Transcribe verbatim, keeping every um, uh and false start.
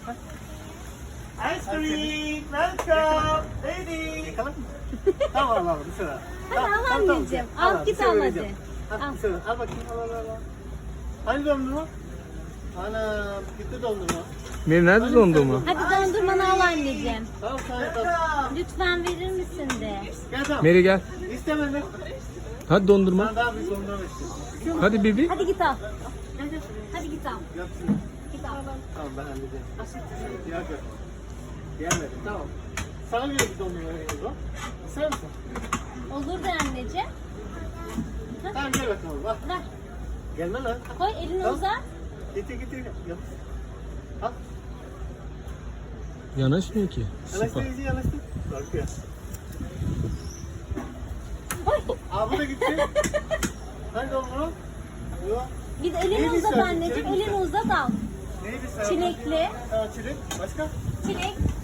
Ice cream, welcome, lady. Yakalım mı? Tamam al bir sıra. Hadi al anneciğim. Al git al hadi. Al bir sıra. Al bakayım al al al. Hani dondurma? Ana gitti dondurma. Meri nerede dondurma? Hadi dondurmanı al anneciğim. Tamam sana tamam. Lütfen verir misin de? Gel tamam. Meri gel. İstemedim. Hadi dondurma. Ben daha bir dondurma istiyorum. Hadi Bibi. Hadi git al. Hadi git al. Yapsın. Git al. Tamam ben halledeceğim. Yok yok. Gelmedi tamam. Sana göre bir dondurma veriyoruz o. İster misin? Olur da anneciğim. Tamam gel bakalım bak. Ver. Gelme lan. Koy elini Tamam. uzat. Getir getir. Yap. Al. Yanaşmıyor ki. Yanaştır Sıpa. iyice yanaştır. Korkuyor. Koy. Aa bu da gitti. Hangi dondurma? Yok. Git elini Neydi uzat sen? anneciğim. Çilek mi Elini uzat al. Neydi sen? Çilekli. Tamam çilek. Başka? Çilek.